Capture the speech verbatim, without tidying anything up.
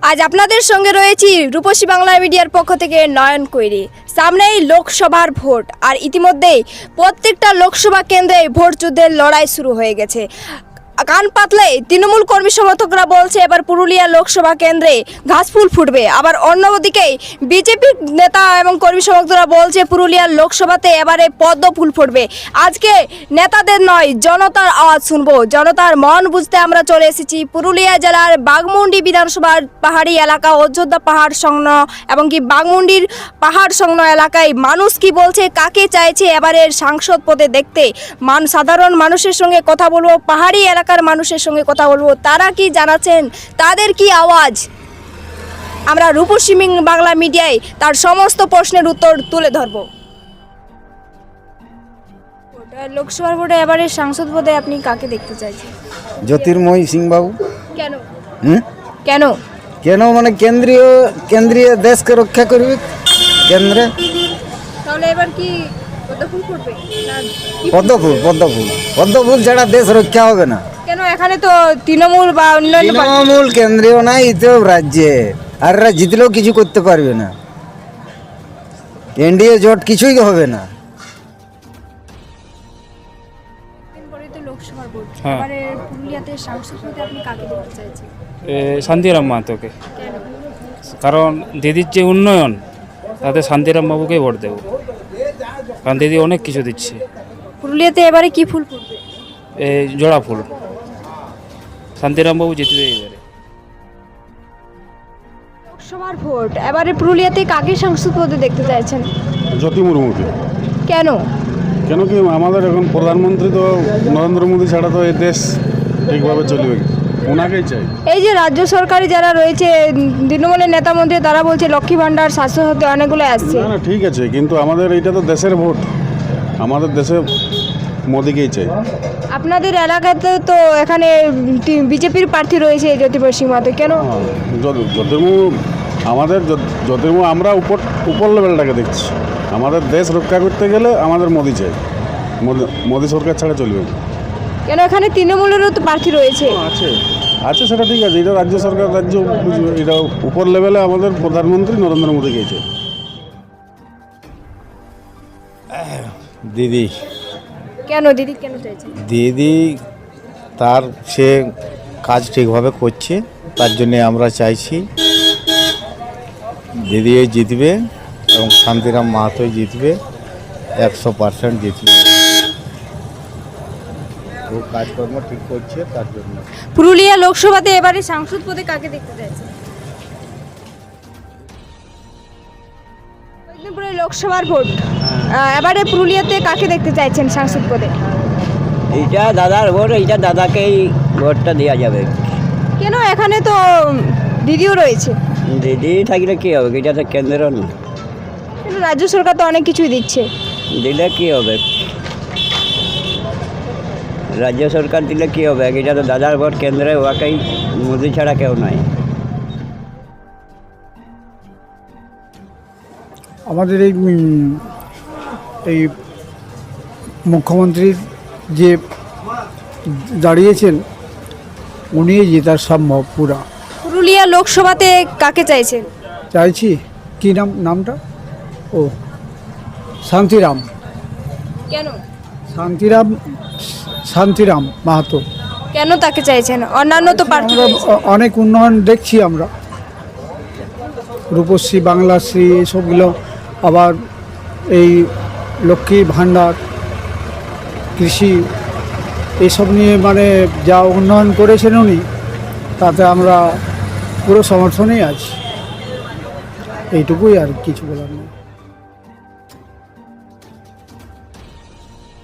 আজ আপনাদের সঙ্গে রয়েছি রূপসী বাংলা মিডিয়ার পক্ষ থেকে নয়ন কৈরি। সামনেই লোকসভার ভোট, আর ইতিমধ্যেই প্রত্যেকটা লোকসভা কেন্দ্রে ভোট যুদ্ধের লড়াই শুরু হয়ে গেছে। কান পাতলে তৃণমূল কর্মী সমর্থকরা বলছে এবার পুরুলিয়া লোকসভা কেন্দ্রে ঘাসফুল ফুটবে, আবার অন্যদিকে বিজেপি নেতা এবং কর্মী সমর্থকরা বলছে পুরুলিয়ার লোকসভাতে এবারে পদ্ম ফুল ফুটবে। আজকে নেতাদের নয়, জনতার আওয়াজ শুনবো, জনতার মন বুঝতে আমরা চলে এসেছি পুরুলিয়া জেলার বাঘমুন্ডি বিধানসভার পাহাড়ি এলাকা, অযোধ্যা পাহাড় সংলগ্ন এবং কি বাঘমুন্ডির পাহাড় সংলগ্ন এলাকায় মানুষ কি বলছে, কাকে চাইছে এবারের সাংসদ পদে দেখতে। মান সাধারণ মানুষের সঙ্গে কথা বলবো, পাহাড়ি এলাকার মানুষের সঙ্গে কথা বলবো, তারা কি জানাচ্ছেন, তাদের কি আওয়াজ। আমরা রূপসী বাংলা মিডিয়ায় তার সমস্ত প্রশ্নের উত্তর তুলে ধরবো। লোকসভার ভোটে এবারে সাংসদ পদে আপনি কাকে দেখতে চাইছেন? জ্যোতির্ময় সিং বাবু। কেন? হুম কেন কেন মানে কেন্দ্রীয় কেন্দ্রীয় দেশকে রক্ষা করবে কেন্দ্রে। তাহলে এবার কি পদ্মফুল ফুটবে না কি? পদ্মফুল পদ্মফুল পদ্মফুল ছাড়া দেশ রক্ষা হবে না। কেন? এখানে তো তৃণমূল বা অন্যান্য পার্টি- তৃণমূল কেন্দ্রীয় নাই, এতেও রাজ্যে, আর এরা জিতলেও কিছু করতে পারবে না। এনডিএ জোট কিছুই হবে না। দিন পরেই তো লোকসভার ভোট, হ্যাঁ। এবারে পুরুলিয়াতে সাংসদ পদে আপনি কাকে দেখতে চাইছেন? এ, শান্তিরাম মাহাতোকে। কেন? কারণ দিদির যে উন্নয়ন, তাতে শান্তিরাম বাবুকেই ভোট দেবো, কারণ দিদি অনেক কিছু দিচ্ছে। পুরুলিয়াতে এবারে কি ফুল ফুটবে? এই জোড়া ফুল, শান্তিরাম বাবু জিতবে এবারে। লোকসভার ভোট, এবারে পুরুলিয়াতে কাকে সাংসদ পদে দেখতে চাইছেন? জ্যোতি মুর্মুকে। কেন? কেন কি আমাদের এখন প্রধানমন্ত্রী তো নরেন্দ্র মোদী ছাড়া তো এই দেশ ঠিকভাবে চলবে, ওনাকেই চাই। এই যে রাজ্য সরকারি যারা রয়েছে তৃণমূলের নেতা মন্ত্রী, তারা বলছে লক্ষ্মী ভাণ্ডার, স্বাস্থ্য সাথী অনেকগুলো আসছে। না না ঠিক আছে, কিন্তু আমাদের এইটা তো দেশের ভোট, আমাদের দেশে মোদীকেই চাই। আপনাদের এলাকাতে তো এখানে বিজেপির প্রার্থী রয়েছে জ্যোতির্ময় সিং মাহাতো, কেন? জ্যোতির্মু আমাদের জ্যোত- জ্যোতির্মু আমরা উপর উপর লেভেলটাকে দেখছি। আমাদের দেশ রক্ষা করতে গেলে আমাদের মোদী চাই, মোদী মোদী সরকার ছাড়া চলবে না। কেন? এখানে তৃণমূলেরও তো প্রার্থী রয়েছে। আছে আছে সেটা ঠিক আছে, এটা রাজ্য সরকার রাজ্য বুঝবে, এটা উপর লেভেলে আমাদের প্রধানমন্ত্রী নরেন্দ্র মোদী গিয়েছে। দিদি কেন দিদি কেন চাইছেন? দিদি তার সে কাজ ঠিকভাবে করছে, তার জন্যে আমরা চাইছি দিদি জিতবে এবং শান্তিরাম মাহাতোই জিতবে, একশো পার্সেন্ট জিতবে। ও কাজকর্ম ঠিক করছে, তার জন্য। পুরুলিয়া লোকসভাতে এবারে সাংসদ পদে কাকে দেখতে চাইছেন? কয়েকদিন পরে লোকসভার ভোট, আহ, এবারে পুরুলিয়াতে কাকে দেখতে চাইছেন সাংসদ পদে? এইটা দাদার ভোট, এইটা দাদাকেই ভোটটা দেওয়া যাবে। কেন? এখানে তো দিদিও রয়েছে। দিদি থাকলে কী হবে, এটা তো কেন্দ্র না, কিন্তু রাজ্য সরকার তো অনেক কিছুই দিচ্ছে। দিলে কী হবে, রাজ্য সরকার দিলে কী হবে, এটা তো দাদার ভোট, কেন্দ্রে ওয়াকেই, মোদি ছাড়া কেউ নাই। আমাদের এই উম, এই মুখ্যমন্ত্রীর যে দাঁড়িয়েছেন, উনি জেতার সম্ভব পুরা। পুরুলিয়া লোকসভাতে কাকে চাইছেন? চাইছি কি নাম নামটা ও শান্তিরাম কেন? শান্তিরাম শান্তিরাম মাহাতো। কেন তাকে চাইছেন? অন্যান্য তো প্রার্থী আমরা রয়েছে। অ- অনেক উন্নয়ন দেখছি আমরা, রূপশ্রী, বাংলাশ্রী, এইসবগুলো, আবার এই লক্ষ্মী ভাণ্ডার, কৃষি, এসব নিয়ে মানে যা উন্নয়ন করেছেন উনি, তাতে আমরা পুরো সমর্থনেই আছি। এইটুকুই, আর কিছু বলার নেই।